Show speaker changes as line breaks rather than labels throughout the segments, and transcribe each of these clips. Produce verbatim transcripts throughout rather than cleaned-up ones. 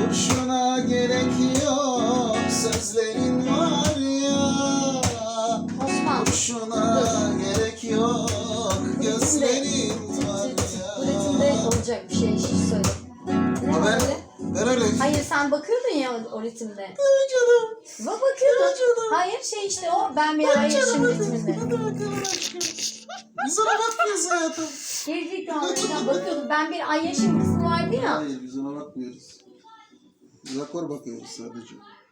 Kurşuna gerek yok, sözlerin var ya.
Osman.
Kurşuna gerek yok, gözlerin var
Bu ritimde
ya.
olacak bir şey, hiç söyle. Ne
Ha,
var
ben,
öyle?
ben öyle.
Hayır, sen bakıyordun ya o, o ritimde.
Evet canım.
Ba bakıyordun.
Evet canım.
Hayır, şey işte o ben bir ay yaşım ritminde.
Hadi bakalım aşkım. Biz ona bakmıyoruz hayatım.
Gerizekalı bakıyordum. Ben bir ay yaşım kısmı vardı ya.
Hayır, biz ona bakmıyoruz. Biz akor bakıyoruz sadece.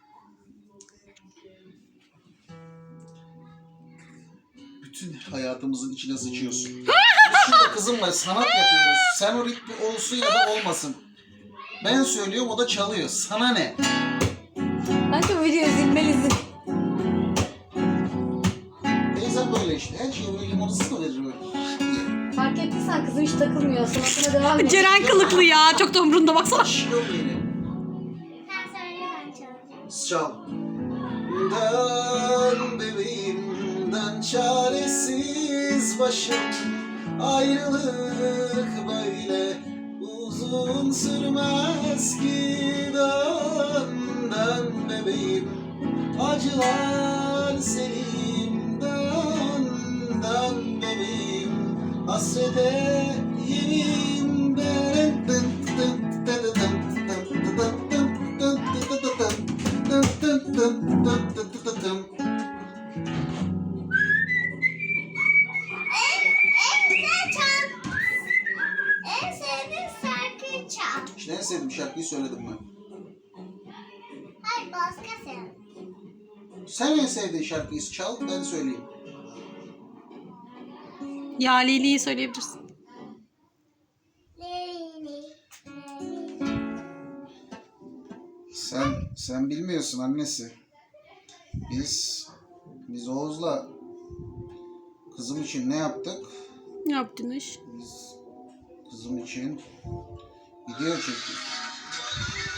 Bütün hayatımızın içine sıçıyorsun. Biz şurada kızımla sanat yapıyoruz. Sen o ritmi olsun ya da olmasın. Ben söylüyorum, o da çalıyor. Sana ne?
Kanka video izlemelisin.
Teyzem böyle işte. Her şeyi böyle limonasız mı verir böyle?
Fark ettiysen kızım hiç takılmıyor. Sanatına devam ediyor.
Ceren kılıklı ya. Çok da umrunda baksana.
Aşkım benim.
Sen söyle ben çalacağım.
Çal. Dön bebeğim, dön çaresiz başım. Ayrılık böyle uzun sürmez ki. Dön, dön bebeğim, acılar senin. Dön, dön bebeğim, hasrete yemin ben. Dın, dın, dın, dın, dın, dın, dın, dın, dın, dın, dın, dın, dın, dın.
En güzel çal. En sevdiğin şarkıyı çal.
İşte en sevdiğim şarkıyı söyledim ben.
Hayır, başka sen.
Sen en sevdiğin şarkıyı çal, ben söyleyeyim.
Ya Leyli'yi söyleyebilirsin.
Leyli, Leyli.
Sen sen bilmiyorsun annesi. Biz biz Oğuz'la kızım için ne yaptık?
Ne yaptınız?
Biz kızım için video çektik.